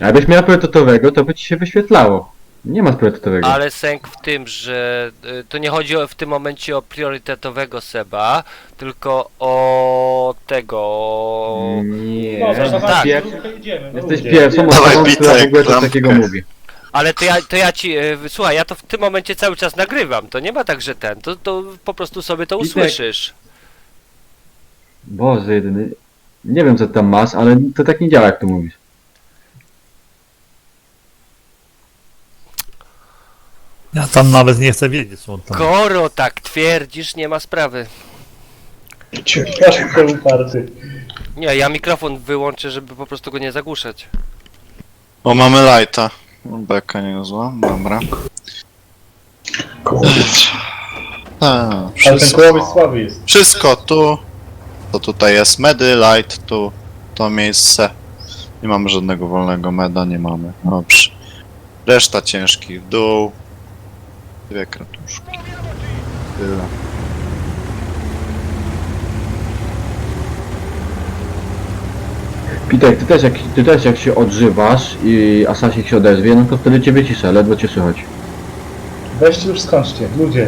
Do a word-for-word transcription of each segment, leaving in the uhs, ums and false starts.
A jakbyś miał priorytetowego, to by ci się wyświetlało. Nie ma priorytetowego. Ale sęk w tym, że y, to nie chodzi o, w tym momencie o priorytetowego Seba, tylko o tego... o- Nie. No, tak. tak. Pier... Idziemy, no Jesteś ludzie. pierwszą Dawaj, osobą, która w Pitek, ogóle coś lampkę. takiego mówi. Ale to ja, to ja ci, y, słuchaj, ja to w tym momencie cały czas nagrywam, to nie ma tak, że ten, to, to po prostu sobie to Pitek. usłyszysz. Boże jedyny. Nie wiem co ty tam masz, ale to tak nie działa jak ty mówisz. Ja tam nawet nie chcę wiedzieć, co on tam. Skoro tak twierdzisz, nie ma sprawy. Każdy uparty. Nie, ja mikrofon wyłączę, żeby po prostu go nie zagłuszać. O, mamy lighta. Beka niezła, dobra. Kołowiec. Tak, Ale ten wszystko. kołowiec słaby jest. Wszystko tu. To tutaj jest medy, light, tu. To miejsce. Nie mamy żadnego wolnego meda, nie mamy. Dobrze. Reszta ciężki w dół. Dwie kratuszki. Tyle. Pitek, ty też jak, ty też jak się odżywasz i Asasik się odezwie, no to wtedy cię wyciszę, ledwo cię słychać. Weźcie już skończcie, ludzie.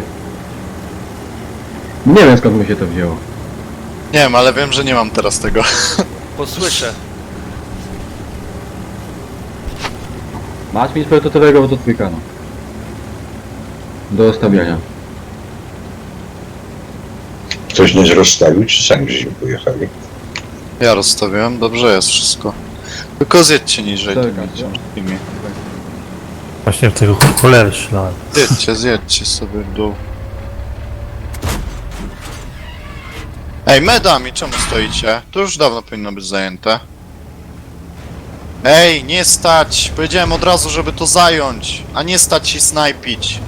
Nie wiem skąd mi się to wzięło. Nie wiem, ale wiem, że nie mam teraz tego. Posłyszę. Masz mieć priorytetowego, bo to twój kanał. Do stawiania. Ktoś nie rozstawił, czy sami żeśmy pojechali? Ja rozstawiłem, dobrze jest wszystko. Tylko zjedźcie niżej Tak, tymi tak. ciężkimi. Właśnie w tego cholery strzelałem. Zjedźcie, zjedźcie sobie w dół. Ej, medami, czemu stoicie? To już dawno powinno być zajęte. Ej, nie stać! Powiedziałem od razu, żeby to zająć, a nie stać i snajpić.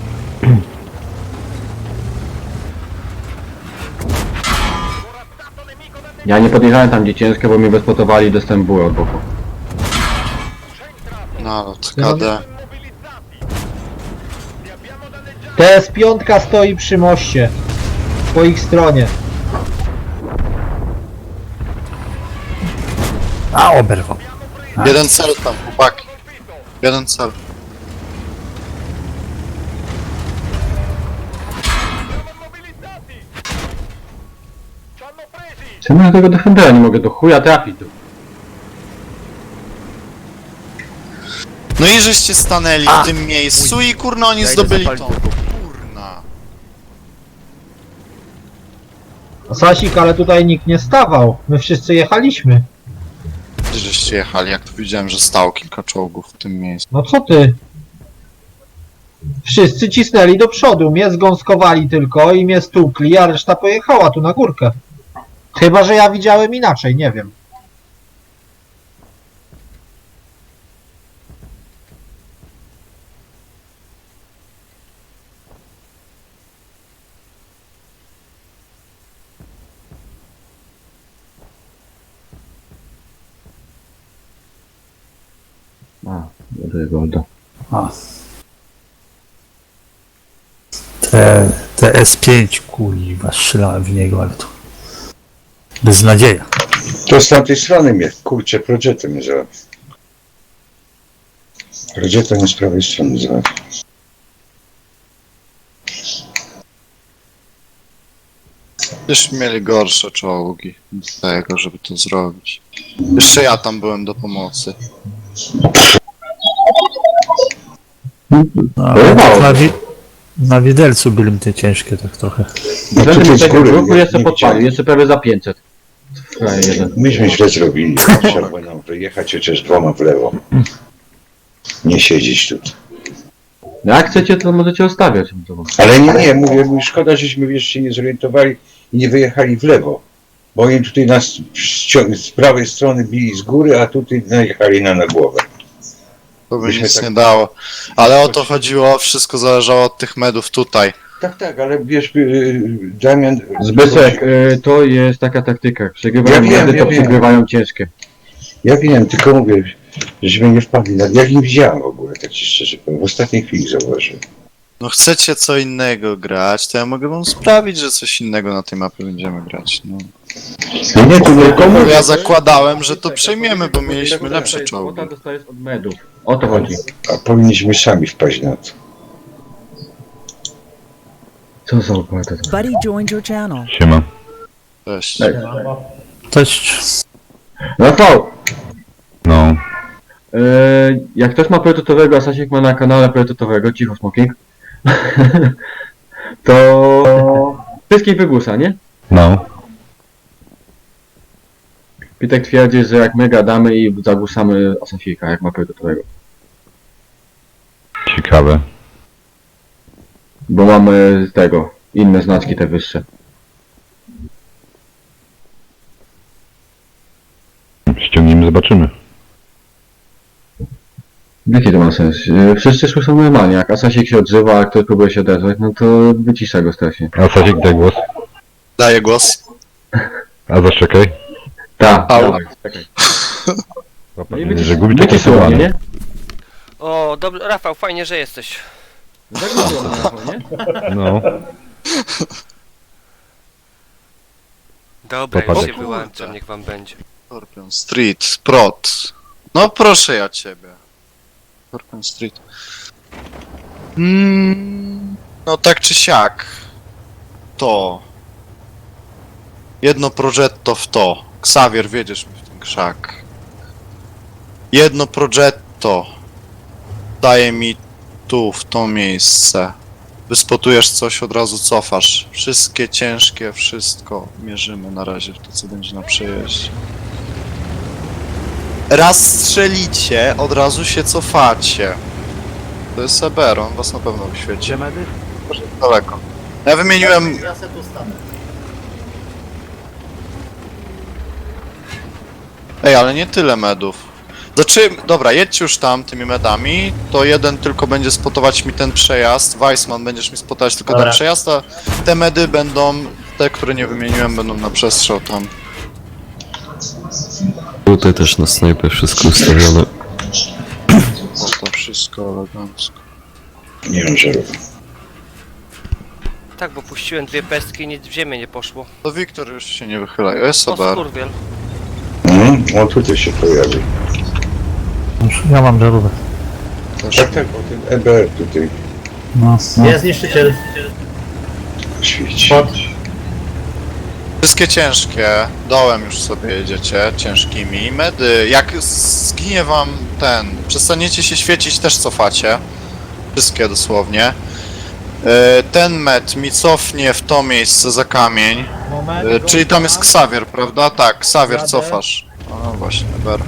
Ja nie podjechałem tam gdzie ciężkie, bo mnie bezpotowali i dostałem bułę od boku. No, K D. T S pięć stoi przy moście. Po ich stronie. A, oberwał. Jeden cel tam, chłopaki. Jeden cel. Czemu ja tego defendera nie mogę do chuja trafić tu? No i żeście stanęli w tym miejscu i kurna oni Ja idę zdobyli zapalić tą. drugą. Kurna. Sasik, ale tutaj nikt nie stawał. My wszyscy jechaliśmy. Gdzie żeście jechali? Jak to widziałem, że stało kilka czołgów w tym miejscu. No co ty? Wszyscy cisnęli do przodu. Mnie zgąskowali tylko i mnie stukli, a reszta pojechała tu na górkę. Chyba, że ja widziałem inaczej, nie wiem. A, do Golda. A. Te, te S pięć, kurwa, strzelałem w niego, ale to... Beznadzieja. To z tamtej strony mnie, kurczę, Progetto mnie załatwił. Progetto mnie z prawej strony załatwił. Już mieli gorsze czołgi do tego, żeby to zrobić. Jeszcze ja tam byłem do pomocy. No, ale Pojebało. tak na, wi na widelcu były te ciężkie tak trochę. No Będę tutaj mi z tego góry, grupu nie- jeszcze nie podpalił, widziałem. jeszcze prawie za pięćset. Frajer jeden. Myśmy źle zrobili. Trzeba było nam wyjechać chociaż dwoma w lewo. Nie siedzieć tu. No jak chcecie, to możecie ostawiać. Ale nie, nie, mówię, mówię, szkoda, żeśmy wiesz, się nie zorientowali i nie wyjechali w lewo. Bo oni tutaj nas z, z prawej strony bili z góry, a tutaj najechali na, na głowę. To by Myśmy nic tak- nie dało. Ale o to chodziło, wszystko zależało od tych medów tutaj. Tak, tak, ale wiesz, yy, Damian... Zbyszek, y, to jest taka taktyka. Przegrywają Ja wiem, medy, ja to wiem. przegrywają ciężkie. Ja wiem, tylko mówię, żeśmy nie wpadli. na- Ja nie widziałem w ogóle, tak ci szczerze powiem. W ostatniej chwili zauważyłem. No chcecie co innego grać, to ja mogę wam sprawić, że coś innego na tej mapie będziemy grać. No. No nie, tu nie komu. Ja zakładałem, że to przejmiemy, bo mieliśmy lepsze czołgi. Kwota dostajesz od medów. O to chodzi. A powinniśmy sami wpaść na to. Co za opłata? Buddy joined your channel. Siema. Cześć. Ej. Cześć. Rafał! No. Yy, jak ktoś ma priorytetowego, a Sasiek ma na kanale priorytetowego, cicho smoking, to wszystkich wygłusa, nie? No. Pitek twierdzi, że jak my gadamy i zagłusamy Asasika, jak ma priorytetowego. Ciekawe. Bo mamy z tego, inne znaczki te wyższe. Ściągnijmy, zobaczymy. Jaki to ma sens? Yy, Wszyscy słyszą normalnie, jak Asasik się odzywa, a ktoś próbuje się odezwać, no to wycisza go strasznie. A Sasiek, daj głos. Daję głos. A zaszczekaj. Tak, Au. dawaj, czekaj. Łapa, No i że wycisz- gubi takie wyciszyło mnie, słowa. nie? O, dobrze, Rafał, fajnie, że jesteś. Zagłuszyło mnie, Rafał, nie? No. Dobra, już Popadek. się wyłączam, niech wam będzie. Scorpion Street, Prot. No proszę ja ciebie. Scorpion Street. Mm, no tak czy siak. To. Jedno progetto w to. Xavier, wiedziesz mi w ten krzak. Jedno progetto daje mi tu, w to miejsce. Wyspotujesz coś, od razu cofasz. Wszystkie ciężkie, wszystko mierzymy na razie w to, co będzie na przejeździe. Raz strzelicie, od razu się cofacie. To jest Eber, on was na pewno wyświeci. Proszę, daleko. Ja wymieniłem... Ja se tu stanę. Ej, ale nie tyle medów. Znaczy, dobra, jedźcie już tam tymi medami, to jeden tylko będzie spotować mi ten przejazd, Weissman będziesz mi spotować tylko Dobra. ten przejazd, a te medy będą, te, które nie wymieniłem, będą na przestrzał tam. Tutaj też na snajpę wszystko ustawione. O, to wszystko elegancko. Nie mam żarów. Tak, bo puściłem dwie pestki i nic w ziemię nie poszło. To Wiktor już się nie wychyla, jest O, Eber. skurwiel. Mhm. O, tutaj się pojawi. Ja mam żarówkę. Też. Tak, tak, o ten E B R tutaj No, no. Jest niszczyciel. świeci. Chodź. Wszystkie ciężkie, dołem już sobie jedziecie, ciężkimi. Medy, jak zginie wam ten, przestaniecie się świecić, też cofacie. Wszystkie dosłownie. E, Ten med mi cofnie w to miejsce za kamień. Moment. E, Czyli tam jest Xavier, prawda? Tak, Xavier, Jadę. cofasz. O, właśnie, Eber.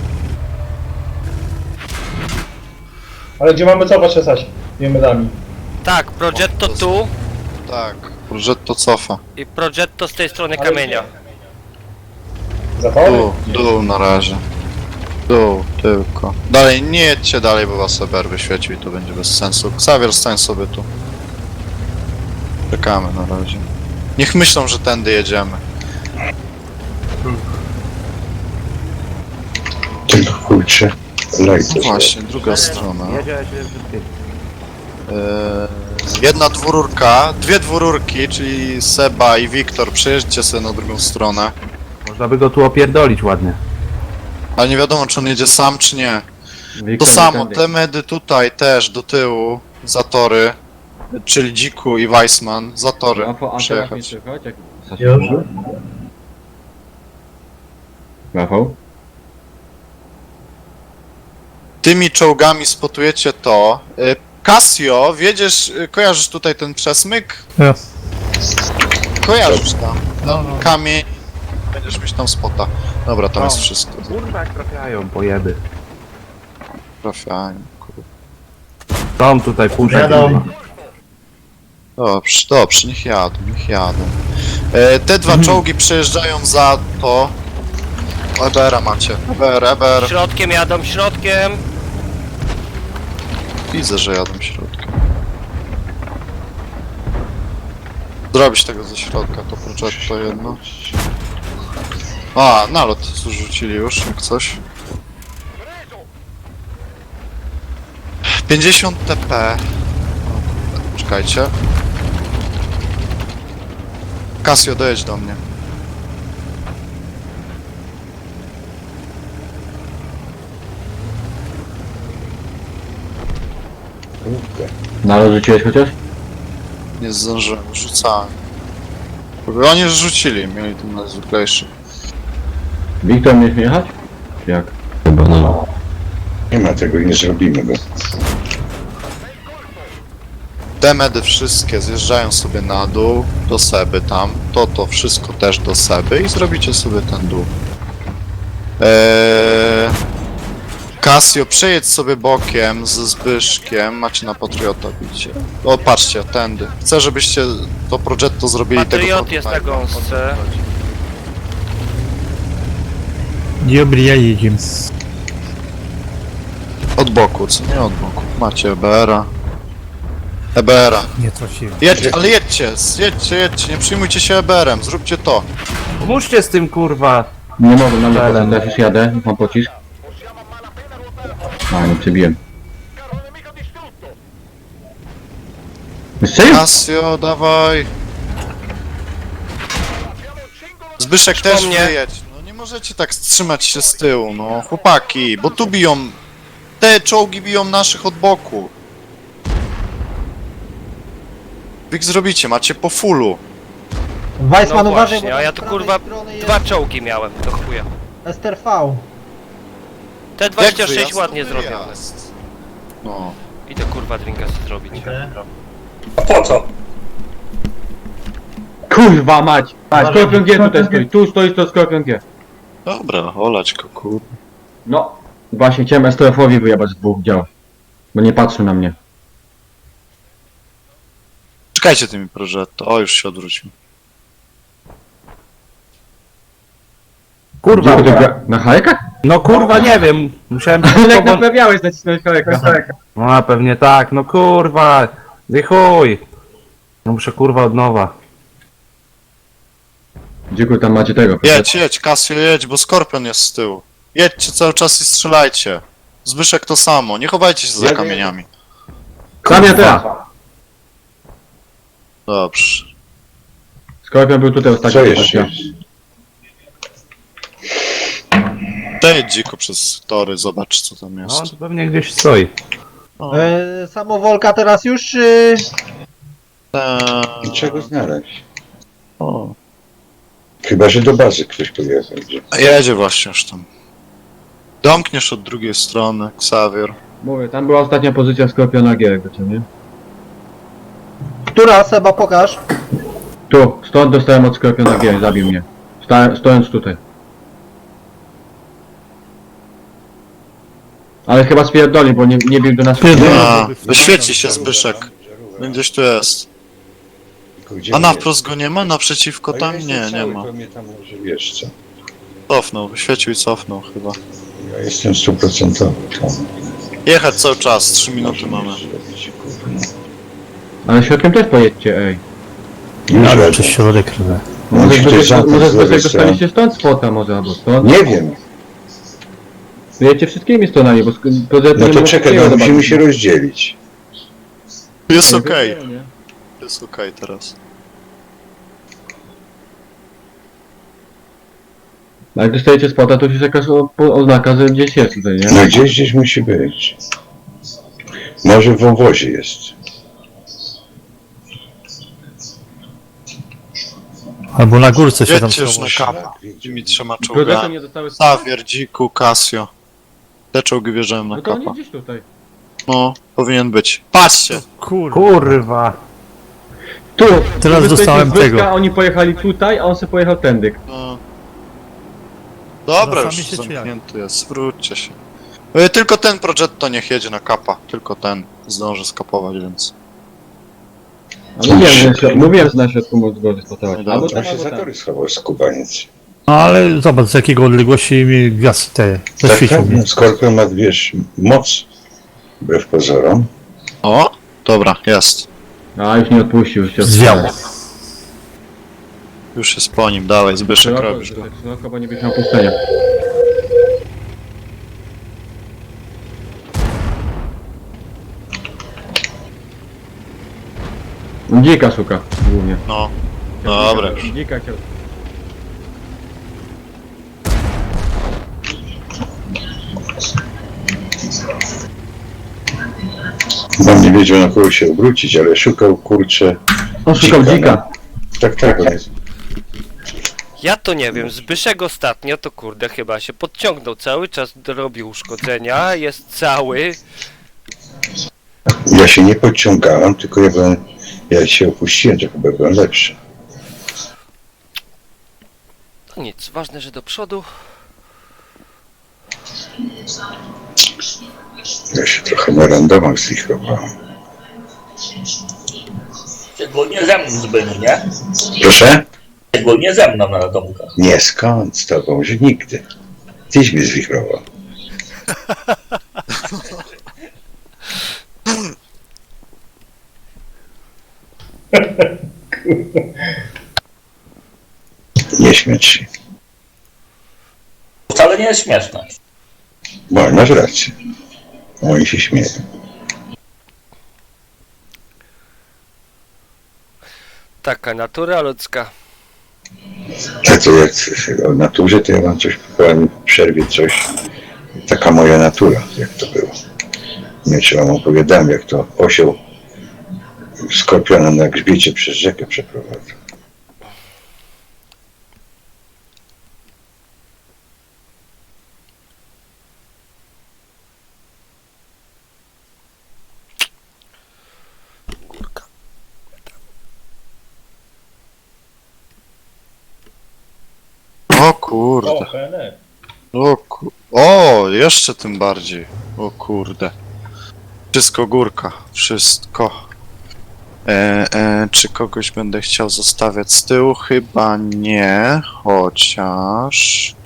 Ale gdzie mamy cofać Asasi? Nie medami. Tak, Progetto tu Tak, Progetto cofa. i Progetto z tej strony Ale kamienia. Zapałny? Dół, dół na razie. Dół, tylko. Dalej, nie jedźcie dalej, bo was Eber wyświecił i to będzie bez sensu. Xavier, stań sobie tu. Czekamy na razie. Niech myślą, że tędy jedziemy. Tylko kurczę. Light. Właśnie, druga strona. Eee, jedna dwururka, dwie dwururki, czyli Seba i Wiktor, przejeźdźcie sobie na drugą stronę. Można by go tu opierdolić ładnie. Ale nie wiadomo, czy on jedzie sam, czy nie. To Wiktor, samo, tędy. te medy tutaj też, do tyłu, za tory, czyli Dziku i Weissman, za tory Rafał, a teraz mi przejechać. słychać? Jak... Sasiek Już. może? Rafał? Tymi czołgami spotujecie to. Y, Casio, wiedziesz, y, kojarzysz tutaj ten przesmyk? Ja. Kojarzysz tam. Kamień. Będziesz mieć tam spota. Dobra, tam jest wszystko. Kurwa jak trafiają, pojeby. Trafianie, kurwa. Są tutaj pusze. Jadą. Dobrze, dobrze, niech jadą, niech jadą. E, te dwa czołgi przejeżdżają za to. Ebera macie. Eber, Eber. Środkiem jadą, środkiem. Widzę, że jadą środkiem. Zrobić tego ze środka, to progetto jedno. A, nalot zrzucili już, jak coś. pięćdziesiąt T P. Czekajcie. Casio, dojedź do mnie. Kurde. Nalot rzuciłeś chociaż? Nie zdążyłem, rzucałem. Bo oni już rzucili, mieli ten najzwyklejszy. Wiktor, mieliśmy jechać? Jak? Chyba no. Nie ma tego, nie zrobimy go. Te medy wszystkie zjeżdżają sobie na dół, do Seby tam. To, to wszystko też do Seby i zrobicie sobie ten dół. Eee... Casio, przejedź sobie bokiem ze Zbyszkiem, macie na Patriota bicie. O, patrzcie, tędy. Chcę, żebyście to Progetto zrobili tego Patriot jest na prototypa. gąsce. Dobry, ja jedziemy. Od boku, co nie od boku. Macie E B R-a. E B R-a. Nie trafiłem. Jedźcie, ale jedźcie, jedźcie, jedźcie, nie przyjmujcie się E B R-em, zróbcie to. Pomóżcie z tym kurwa. Nie mogę na mnie Ale potem, no. teraz już jadę, mam pocisk. A, nie przebiłem. Strzelił? Casio, dawaj. Zbyszek Po też mnie. wyjedź. No nie możecie tak trzymać się z tyłu, no chłopaki, bo tu biją. Te czołgi biją naszych od boku. Wy ich zrobicie, macie po fullu. Weissman, No uważaj, właśnie, bo a ja tam tu z kurwa prawej strony jest dwa czołgi miałem, do chuja. S T R V. T dwadzieścia sześć wyjazd, ładnie to zrobione. wyjazd. No. Idę kurwa drinka sobie zrobić. A po co? Kurwa mać! A, Skorpion G tutaj stoi, tu stoi to Skorpion G. Dobra, olać go, kur... No, właśnie chciałem S T F-owi wyjebać z dwóch dział. Bo nie patrzył na mnie. Czekajcie tymi Progetto, o już się odwrócił. Kurwa. Gdzie ty gra- Na hajkach? No kurwa, nie wiem. Musiałem... Ale jak naprawiałeś nacisnąć hajka. No a pewnie tak, no kurwa. Ty chuj. No muszę kurwa od nowa. Dziękuję, tam macie tego. Jedź, jedź, Casio, jedź, bo Skorpion jest z tyłu. Jedźcie cały czas i strzelajcie. Zbyszek to samo, nie chowajcie się za Jadę. kamieniami. Tam ja teraz. Dobrze. Skorpion był tutaj ostatnio. Co jeszcze jest? Przejedź dziko przez tory, zobacz co tam No jest. to pewnie gdzieś stoi. E, samowolka teraz już, czy... Eee, I czego znaleźć? o. Chyba, że do bazy ktoś pojechał. Gdzie? A jedzie właśnie już tam. Domkniesz od drugiej strony, Xavier. Mówię, tam była ostatnia pozycja Skorpiona G, jakby co, nie? Która, Seba, pokaż. Tu, stąd dostałem od Skorpiona G, zabił mnie. Sta stojąc tutaj. Ale chyba spierdoli, bo nie, nie bił do nas. A, wyświeci się Zbyszek. Gdzieś tu jest. Tylko gdzie A na jest? wprost go nie ma? Naprzeciwko A ja tam? jestem Nie, nie cały, ma. To mnie tam może wiesz co. Cofnął, wyświecił i cofnął chyba. Ja jestem stuprocentowy. Jechać cały czas, trzy minuty mamy. Ale środkiem też pojedźcie, ej. Już Ale jadę. przez środek rwę. Może Musi ktoś zbyt, zacząć może z lewej zbyt strony. dostaliście stąd spota może, albo stąd. Nie wiem. Wyjedźcie wszystkimi stronami, bo sk- to No to czekaj, no musimy się rozdzielić. Jest okej, jest okej teraz. A jak dostajecie spota, to już jest jakaś o- po- oznaka, że gdzieś jest tutaj, nie? No gdzieś, gdzieś musi być. Może w wąwozie jest. Albo na górce się tam Jedźcie już na schował. kapa. Tymi trzema Progresy czołgami. nie dostały spota. Xavier, Dziku, Casio. Te czołgi wjeżdżają na No to oni kapa. gdzieś tutaj. No, powinien być. Patrzcie! Kurwa. Kurwa. Tu! Teraz wy dostałem stoicie z Zbyszka, tego. Oni pojechali tutaj, a on sobie pojechał tędy. No. Dobra, Wracamy już się, czy jak? zamknięty jest, wróćcie się. E, Tylko ten Progetto niech jedzie na kapa. Tylko ten zdąży skapować, więc... A mówiłem, że na środ- mówiłem, że na środku mógł go spotować. No Albo dobrze. tam, Tam się albo tam. zatory schował skubaniec. No ale zobacz z jakiego odległości mi gwiazd te Tak, zaświecił tak, mnie. no, Skorpion ma, wiesz, moc. Wbrew pozorom. O! Dobra, jest. A, już nie odpuścił. Już się Zwiało. Już jest po nim, dawaj, Zbyszek, Szeroko, robisz go. Zbyszek, szeroko, bo nie byś miał puszczenia. Dzika szuka, głównie. No. Dobra już. Dzika chciał. On nie wiedział na kogo się obrócić, ale szukał kurczę. On szukał Dzika, dzika. Tak, tak, on jest. Ja to nie wiem, Zbyszek ostatnio to kurde chyba się podciągnął cały czas, robił uszkodzenia, jest cały. Ja się nie podciągałem, tylko ja byłem, ja się opuściłem, to chyba byłem lepszy. No nic, ważne, że do przodu. Ja się trochę na randomach zlichrowałem. Szczególnie ze mną Zbyniu, nie? Proszę? Szczególnie ze mną na domkach. Nie, skąd z tobą, że nigdy. Tyś mnie zwichrował. Nie śmiać się. Wcale nie jest śmieszne. Bo masz rację. Oni się śmieją. Taka natura ludzka. A to jak o naturze, to ja mam coś, powiem w przerwie coś. Taka moja natura, jak to było. Nie czy wam opowiadałem, jak to osioł skorpiona na grzbiecie przez rzekę przeprowadził. O O, kurde. P N R. O, ku... o, jeszcze tym bardziej. O kurde. Wszystko górka. Wszystko. E, e, czy kogoś będę chciał zostawiać z tyłu? Chyba nie. Chociaż...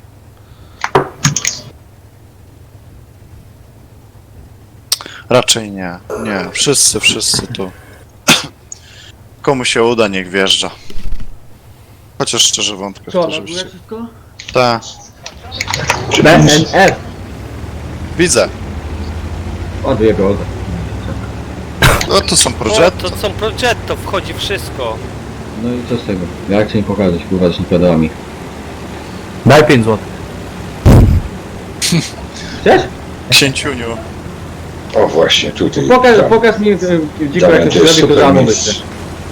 Raczej nie. Nie. Wszyscy, wszyscy tu. Komu się uda, niech wjeżdża. Chociaż szczerze wątpię w to, żebyście... wszystko? Tak. B N R. Widzę. Odjebał. No to są O, projekty. to są Progetto, wchodzi wszystko. No i co z tego? Ja chcę im pokazać, kurwa, z pedałami. Daj pięć złotych. Chcesz? Księciuniu. O właśnie, tutaj. Pokaż, tam. pokaż mi e, dziko Damian, jak to to jest zrobi, to super damy miejsce. wyjście.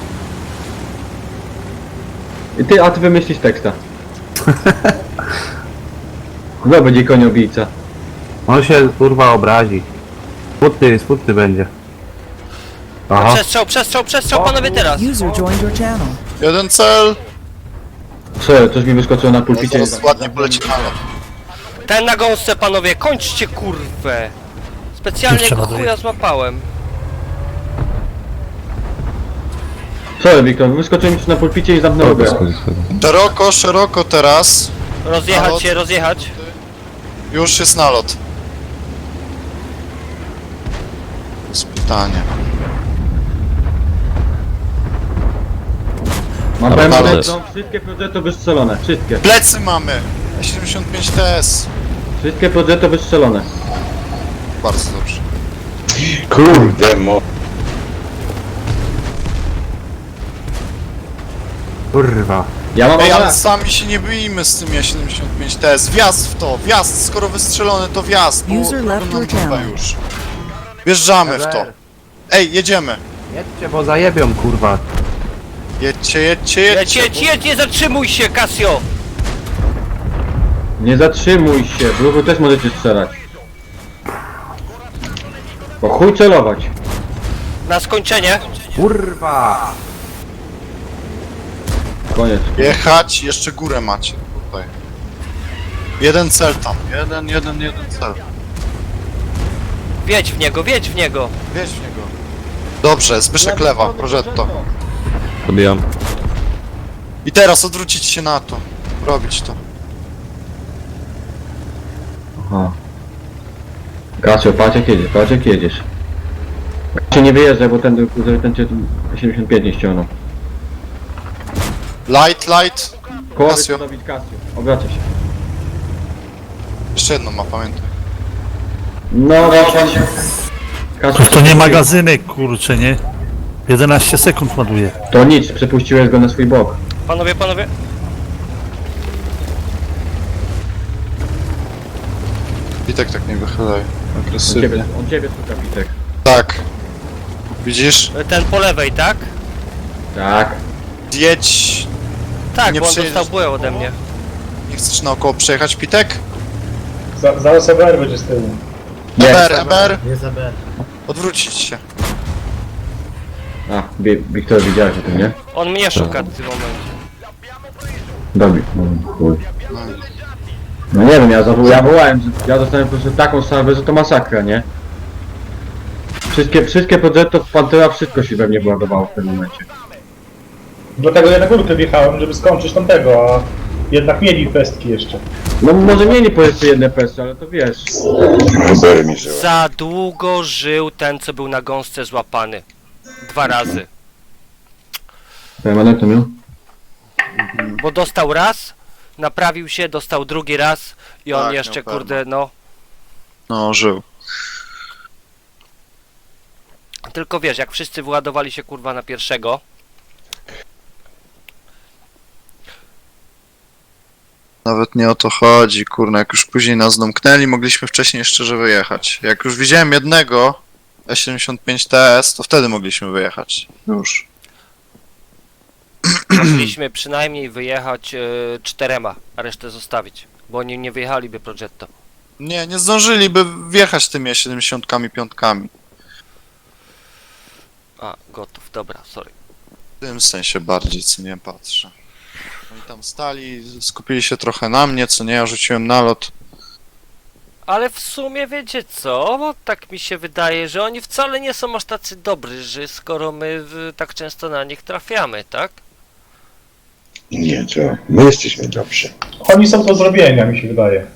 I ty, a ty wymyślisz teksta. No będzie koniobijca. On się kurwa obrazi. Smutny, smutny będzie. Aha. Przestrzał, przestrzał, przestrzał, panowie teraz. User joined your channel. Jeden cel. Co, coś mi wyskoczyło na No pulpicie. zaraz ładnie poleci na lot. Ten na gąsce, panowie, kończcie kurwę. Specjalnie Jeszcze go ładuję. chuja złapałem. Co, Wiktor, wyskoczyło mi coś na pulpicie i zamknęło Dobra, grę. schodzi sobie. Szeroko, szeroko teraz. Rozjechać Nalot. się, rozjechać. Już jest nalot. To jest pytanie. Mam Ale- powiem, ale- że są wszystkie progetto wystrzelone. Wszystkie. Plecy mamy. siedemdziesiąt pięć T S. Wszystkie progetto wystrzelone. Bardzo dobrze. Kurde, mo... Kurwa. Ja mam Ej, ale tak. sami się nie bijmy z tym siedemdziesiąt pięć T S. Wjazd w to, wjazd. Skoro wystrzelone, to wjazd. Bo User left robią your nam channel. chyba już. Wjeżdżamy w to. Ej, jedziemy. Jedźcie, bo zajebią kurwa. Jedźcie, jedźcie, Jedź, jedźcie. jedź, jedź, nie zatrzymuj się, Casio. Nie zatrzymuj się, w ruchu też możecie strzelać. Bo chuj celować. Na skończenie. Kurwa. Koniec. Jechać, jeszcze górę macie tutaj. Jeden cel tam. Jeden, jeden, jeden cel. Wiedź w niego, wiedź w niego. Wiedź w niego. Dobrze, Zbyszek lewa, Progetto. Dobijam. I teraz odwrócić się na to. Robić to. Aha. Kasio, patrz jak jedziesz, patrz jak jedziesz. Kasio nie wyjeżdżaj, bo ten, żeby ten cię siedemdziesiąt pięć nie ściągnął. Light, light. Koło Kasio. robić Kasio. Obraca się. Jeszcze jedno ma, pamiętaj. No właśnie. Kasio, To nie magazynek, kurczę, nie? jedenaście sekund ładuje. To nic, przepuściłeś go na swój bok. Panowie, panowie. Pitek tak nie wychylaj. On ciebie, Agresywnie. on ciebie szuka, Pitek. Tak. Widzisz? Ten po lewej, tak? Tak. Zjedź. Tak, Nie bo on przyjedziesz dostał bułę ode mnie. Nie chcesz naokoło przejechać, Pitek? Za, zaraz E B R będzie z tyłu. Nie. Eber, Eber! Nie za B. Odwrócić się. A, Wi- Wiktor, widziałeś o tym, nie? On mnie szuka w tym momencie. Dobry. No, chuj. No nie wiem, ja, zawo- ja wołałem, że ja dostałem po prostu taką salwę, że to masakra, nie? Wszystkie, wszystkie Progetto w Pantera, wszystko się we mnie wyładowało w tym momencie. Dlatego ja na górkę wjechałem, żeby skończyć tamtego, a jednak mieli pestki jeszcze. No może mieli po jeszcze jedne pesy, ale to wiesz. Eber mi żyła. Za długo żył ten, co był na gąsce złapany. Dwa razy. Permanent to miał? Bo dostał raz, naprawił się, dostał drugi raz i on Tak, jeszcze, miał kurde, no... No, żył. Tylko wiesz, jak wszyscy wyładowali się, kurwa, na pierwszego, Nawet nie o to chodzi, kurna, jak już później nas domknęli, mogliśmy wcześniej szczerze wyjechać. Jak już widziałem jednego E siedemdziesiąt pięć T S, to wtedy mogliśmy wyjechać. Już. mogliśmy przynajmniej wyjechać e, czterema, a resztę zostawić. Bo oni nie wyjechaliby Progetto. Nie, nie zdążyliby wjechać tymi E siedemdziesiąt pięć. A, gotów, dobra, sorry. W tym sensie bardziej, co nie patrzę. Oni tam stali, skupili się trochę na mnie, co nie, ja rzuciłem nalot. Ale w sumie wiecie co, bo tak mi się wydaje, że oni wcale nie są aż tacy dobrzy, że skoro my w, tak często na nich trafiamy, tak? Nie, to my jesteśmy dobrzy. Oni są do zrobienia, mi się wydaje.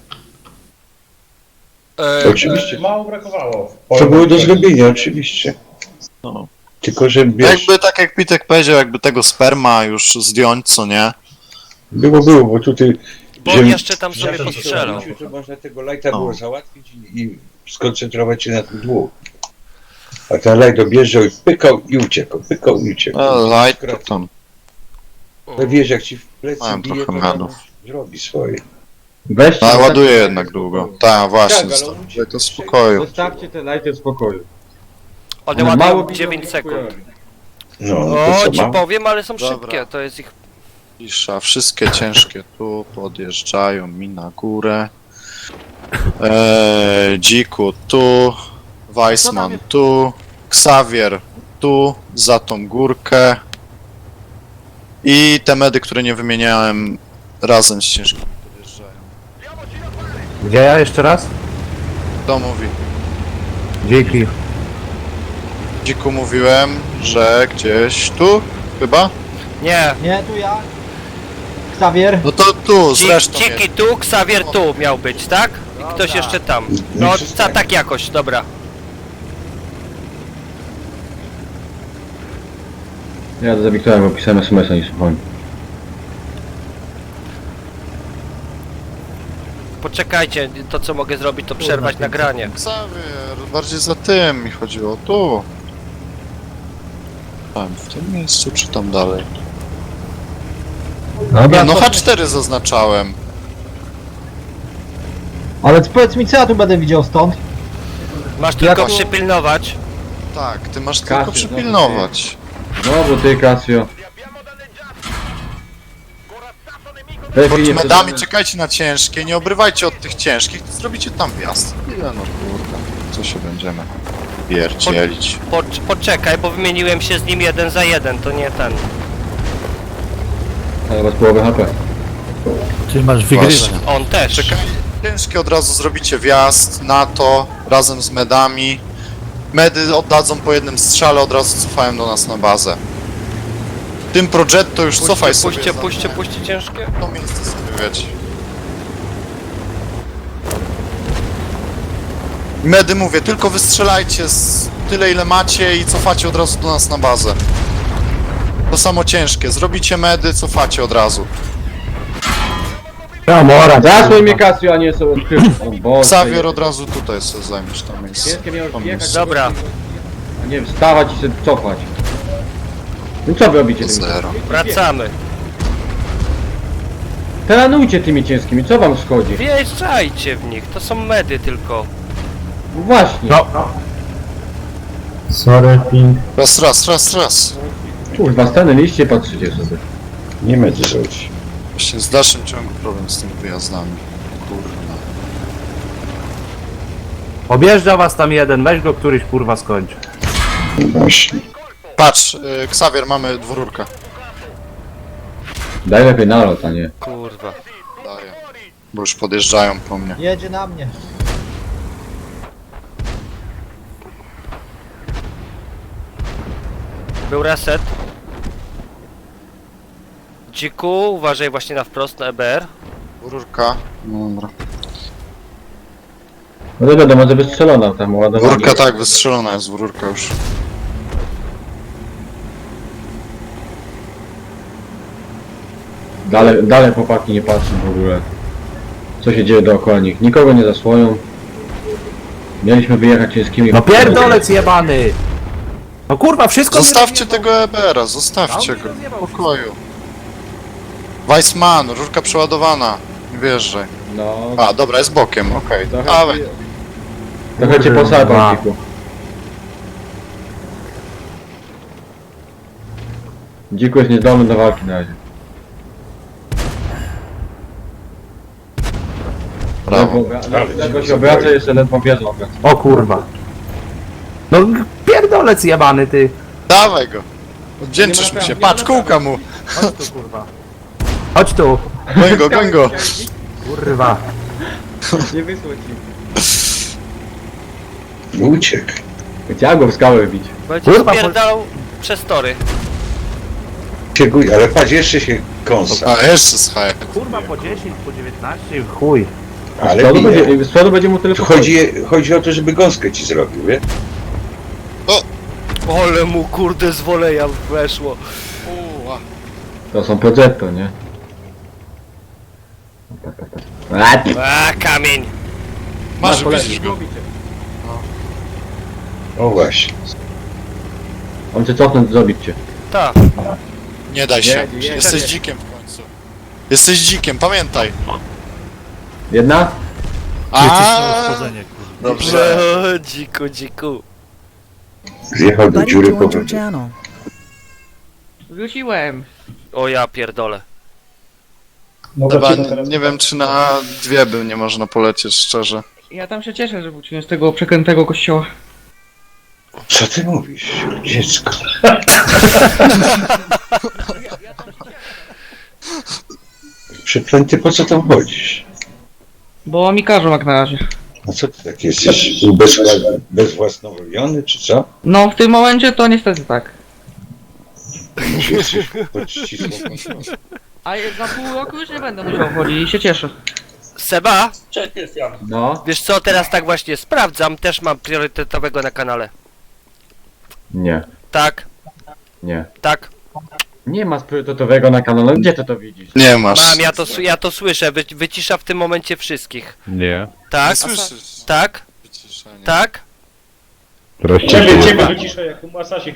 E, Oczywiście. Mało brakowało. To było do zrobienia, oczywiście. No. Tylko, że wiesz, Jakby, tak jak Pitek powiedział, jakby tego sperma już zdjąć, co nie? było, było, bo tutaj... bo on jeszcze tam sobie postrzelał. To można tego lighta było załatwić i, i skoncentrować się na tym dwóch. A ten light objeżdżał i pykał i uciekał, pykał i uciekał. No, light to tam. No wiesz, jak ci w plecy Miałem bije, trochę to medów. zrobi swoje. Weźcie, No, zostawcie- ładuje jednak długo. Tak, właśnie, Tak, ale on zostawcie uciekł. to w spokoju. Zostawcie te lighty w spokoju. One One mało ładują biją, dziewięć nie sekund. chujowi. No, no O, to co ci ma? powiem, ale są Dobra. szybkie, to jest ich... Cisza, wszystkie ciężkie tu podjeżdżają mi na górę. Eee, Dziku tu, Weissman tu, Xavier tu, za tą górkę. I te medy, które nie wymieniałem, razem z ciężkimi podjeżdżają. Gdzie ja jeszcze raz? Kto mówi? Dzięki. Dziku mówiłem, że gdzieś tu, chyba? Nie, Nie, tu ja. Xavier. No to tu, Ci- zresztą Ciki jest. tu, Xavier tu miał być, tak? I ktoś jeszcze tam. No, ca, tak jakoś, dobra. Ja do Wiktora, bo pisałem es em es a, nie słuchałem. Poczekajcie, to co mogę zrobić, to przerwać nagranie. Xavier, bardziej za tym mi chodziło, tu. Tam, w tym miejscu, czy tam dalej? Dobra, Nie, no to- H cztery zaznaczałem. Ale powiedz mi, co ja tu będę widział stąd? Masz tylko Jak- przypilnować. Tak, ty masz Kasy, tylko przypilnować. Znowu ty, Casio. Pod medami czekajcie na ciężkie, nie obrywajcie od tych ciężkich, to zrobicie tam wjazd. Ile no kurwa, co się będziemy pierdzielić. Po, poczekaj, bo wymieniłem się z nim jeden za jeden, to nie ten. Ale was połowę H P. Ty masz wygrywać. Właśnie. On też. Czekaj, ciężkie od razu zrobicie wjazd na to, razem z medami. Medy oddadzą po jednym strzale, od razu cofają do nas na bazę. Tym Progetto już cofaj Puśćcie, sobie. puśćcie, za puśćcie, mnie. puśćcie ciężkie. To miejsce sobie wiecie. Medy mówię, tylko wystrzelajcie z tyle ile macie i cofacie od razu do nas na bazę. To samo ciężkie, zrobicie medy, cofacie od razu. Ja mora, Zasłoń mnie, Casio, a nie są odkrywki. O Boże. Xavier od razu tutaj sobie zajmiesz to miejsce. Ciężkie miałeś To wjechać. miejsce. Dobra. A nie wstawać i się cofać. No co wy robicie tymi? Zero. Wracamy. Teranujcie tymi ciężkimi, co wam schodzi? Wjeżdżajcie w nich, to są medy tylko. No właśnie. No, Sorry, ping. Raz, raz, raz, raz. Kurwa, stanęliście, patrzycie sobie. Nie ma co zrobić. Właśnie z dalszym ciągu problem z tymi wyjazdami. Kurwa. objeżdża was tam jeden, weź go któryś kurwa skończ. Właśnie. Patrz, y, Xavier, mamy dwururkę. Daj lepiej nalot, a nie. Kurwa. Daję. Bo już podjeżdżają po mnie. Jedzie na mnie. Był reset. Dziku, uważaj właśnie na wprost na E B R. Dwururka. No dobra. No to wiadomo, że wystrzelona tam ładowanie. Dwururka tak, wystrzelona jest dwururka już. Dalej, dalej chłopaki nie patrzą w ogóle. Co się dzieje dookoła nich. Nikogo nie zasłoją. Mieliśmy wyjechać ciężkimi... No pierdolec jebany! No kurwa, wszystko mi Zostawcie rozjebał. tego E B R-a, zostawcie No, mi go. rozjebał W pokoju. Weissman, rurka przeładowana. Nie wjeżdżaj. No... A, dobra, jest bokiem, okej. Trochę, Dawaj. trochę cię Kurwa. posadzą, Dziku. Dziku jest niezdolny do walki na razie. Brawo. Ledwo, ledwo się obraca, jeszcze ledwo wierzę obraca. O kurwa. No pierdolec jebany ty. Dawaj go. Wdzięczysz mu się. Patrz, kółka mu. Chodź tu kurwa. Chodź tu. Goń go, goń go. Kurwa. Nie wysło ci. Uciekł. Chciałem go w skałę wbić. Będzie Kurwa, spierdalał przez tory. Ciekuj, ale patrz, jeszcze się kąsa. A, jeszcze z hajem. Kurwa po dziesięć, po dziewiętnaście, chuj. Z Ale przodu bije. będzie, z przodu będzie mu tyle Tu chodzi, chodzi o to, żeby gąskę ci zrobił, wie? Ole mu kurde z woleja weszło. Uła. To są Progetto, nie? Tak, tak, tak. A, A kamień. Masz, kolegi. widzisz go. O właśnie. On cię cofnąć, zrobić cię. Tak. Nie daj się. Nie, nie, Jesteś nie. dzikiem w końcu. Jesteś dzikiem, pamiętaj. Jedna? A. Dobrze. O, dziku, dziku. Zjechał do dziury po wodzie. Wróciłem. O ja pierdolę. No Chyba wrócimy nie, teraz. nie wiem, czy na dwie by nie można polecieć, szczerze. Ja tam się cieszę, że wróciłem z tego przeklętego kościoła. Co ty mówisz, dziecko? Przeklęty, po co tam chodzisz? Bo mi każą jak na razie. A co ty tak jesteś ubezwła- bezwłasnowiony, czy co? No w tym momencie to niestety tak. Czy jesteś pod ścisłą kontrolą? A je- za pół roku już nie będę musiał chodzić i się cieszę. Seba, Cześć, Krystian. No. wiesz co, teraz tak właśnie sprawdzam, też mam priorytetowego na kanale. Nie. Tak, Nie. tak. Nie ma priorytetowego na kanale, gdzie ty to widzisz? Nie masz. Mam, ja to, s- ja to słyszę, Wy, wycisza w tym momencie wszystkich. Nie. Nie Tak, słyszysz. tak, Wyciszenie. tak. Teraz Ciebie, ciszę. ciebie wyciszę jak u Masasie.